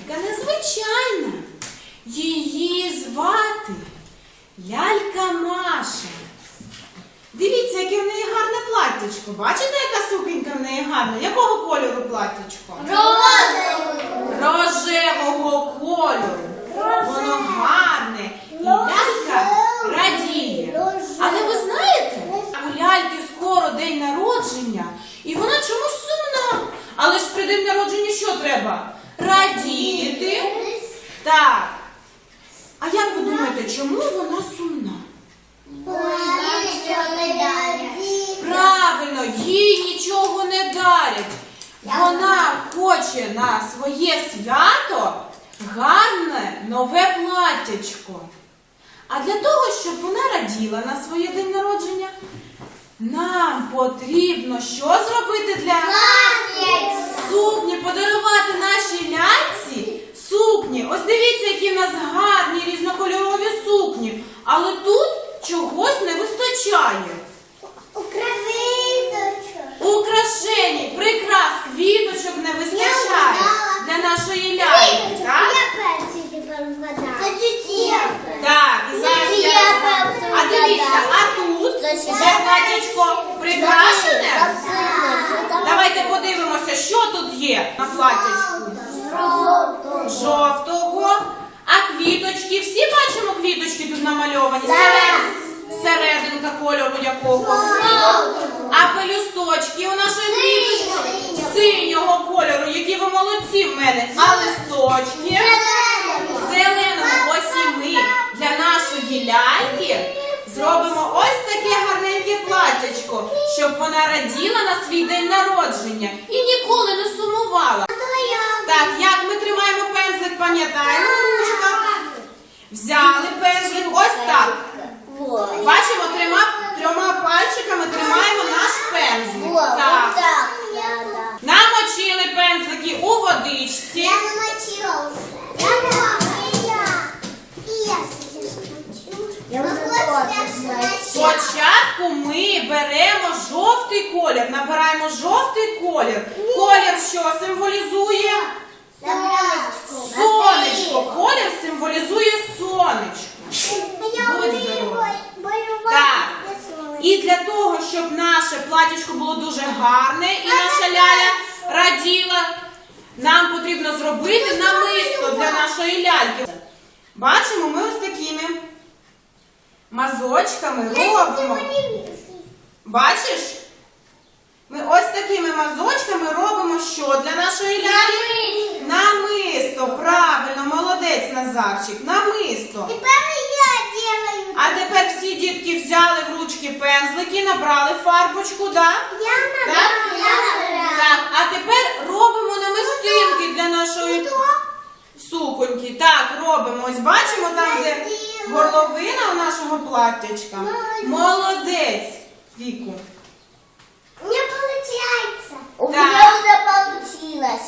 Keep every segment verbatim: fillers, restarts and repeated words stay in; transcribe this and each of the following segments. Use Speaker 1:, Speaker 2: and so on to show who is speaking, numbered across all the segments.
Speaker 1: лялька незвичайна. Її звати лялька Маша. Дивіться, яке в неї гарне платтячко. Бачите, яка сукенька в неї гарна? Якого кольору платтячко?
Speaker 2: Рожевого.
Speaker 1: Рожевого кольору. Воно гарне. І лялька радіє. Але ви знаєте, у ляльки скоро день народження, і вона чомусь сумна. Але ж при день народження що треба? Радіти. Так. А як ви думаєте, чому вона сумна? Правильно, їй нічого не дарять. Вона хоче на своє свято гарне нове платтячко. А для того, щоб вона раділа на своє день народження, нам потрібно що зробити для сукні? Подарувати нашій ляльці сукні. Ось дивіться, які в нас гарні різнокольорові сукні. Але тут чогось не вистачає. Украшень, прикрас, квіточок не вистачає для нашої ляльки, так? Так, і зараз я... А дивіться, а тут вже платтячко прикрашене? Давайте подивимося, що тут є на платтячку. Жовтого. А квіточки, всі бачимо квіточки тут намальовані? Серединка кольору якого? А пелюсточки у нашої квіточки синього кольору, які ви молодці в мене. А листочки зеленого. Ось і ми для нашої ляльки зробимо ось таке гарненьке платтячко, щоб вона раділа на свій день народження і ніколи не сумувала. Так, як ми тримаємо пензлик, пам'ятаємо, ручка? Взяли пензлик, ось так. Бачимо, трьома, трьома пальчиками тримаємо наш пензлик. Так. Намочили пензлики у водичці.
Speaker 2: Я намочила вже. Я
Speaker 1: Спочатку ми беремо жовтий колір, набираємо жовтий колір. Колір що символізує? Сонечко. Колір символізує сонечко. Будь здорова. Так. І для того, щоб наше платтячко було дуже гарне і наша ляля раділа, нам потрібно зробити намисто для нашої ляльки. Бачимо, ми ось такими мазочками робимо. Бачиш? Ми ось такими мазочками робимо що для нашої лялі? Намисто. Правильно, молодець, Назарчик. Намисто.
Speaker 2: Тепер я делаю.
Speaker 1: А тепер всі дітки взяли в ручки пензлики, набрали фарбочку, да?
Speaker 2: Я
Speaker 1: Так?
Speaker 2: набрала.
Speaker 1: Так, а тепер робимо намистинки для нашої суконьки. Так, робимо. Ось бачимо там, де горловина у нашого платтячка. Молодець, Віку.
Speaker 2: Не получается.
Speaker 1: У
Speaker 2: меня уже получилось.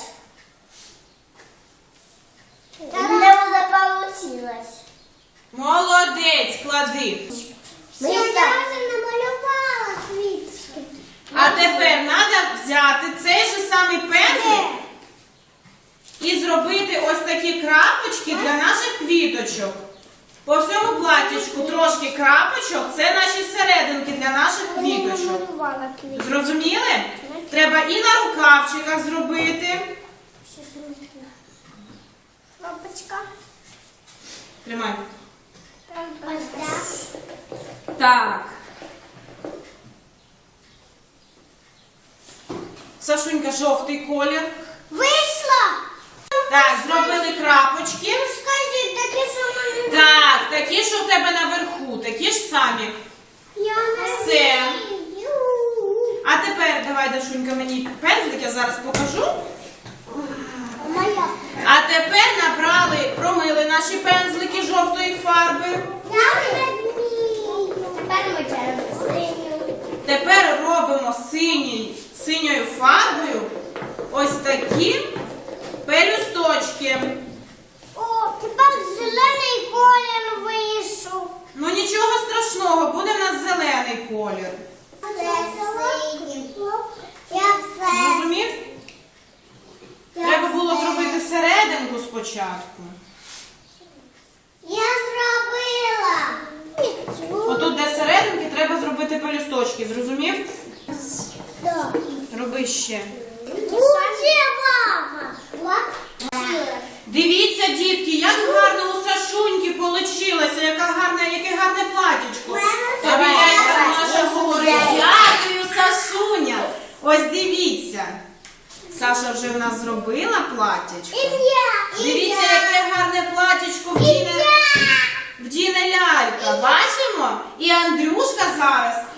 Speaker 2: У меня уже получилось.
Speaker 1: Молодець, клади.
Speaker 2: Я даже намалювала квіточки.
Speaker 1: А тепер треба взяти цей же самий пензлик і зробити ось такі крапочки для наших квіточок. По всьому платтячку трошки крапочок, це наші серединки для наших квіточок. Зрозуміли? Треба і на рукавчиках зробити.
Speaker 2: Кнопочка.
Speaker 1: Тримай.
Speaker 2: Ось так.
Speaker 1: Так. Сашунька, жовтий колір.
Speaker 2: Вийшло.
Speaker 1: Так, зробили крапочки.
Speaker 2: Скажіть, такі самі.
Speaker 1: Так, такі, що в тебе наверху, такі ж самі.
Speaker 2: Я не
Speaker 1: Все.
Speaker 2: вмію.
Speaker 1: А тепер, давай, Дашунька, мені пензлик, я зараз покажу.
Speaker 2: Моя.
Speaker 1: А тепер набрали, промили наші пензлики жовтої фарби.
Speaker 2: Я не вмію. Тепер ми червону синю.
Speaker 1: Тепер робимо синій, синьою фарбою ось такі пелюсточки.
Speaker 2: О, тепер зелений колір вийшов.
Speaker 1: Ну нічого страшного, буде в нас зелений колір.
Speaker 2: Це синій. Я все.
Speaker 1: Зрозумів? Треба було зробити серединку спочатку. спочатку.
Speaker 2: Я зробила.
Speaker 1: Отут, де серединки, треба зробити пелюсточки. Зрозумів?
Speaker 2: Да.
Speaker 1: Роби ще.
Speaker 2: Уже мама.
Speaker 1: Дивіться, дітки, як гарно у Сашуньки получилося, яка гарна, яке гарне платічко. Тобі яйця наша говорить, дякую, Сашуня. Ось дивіться. Саша вже в нас зробила платічко. Дивіться, яке гарне платічко вдіне, вдіне лялька. Бачимо? І Андрюшка зараз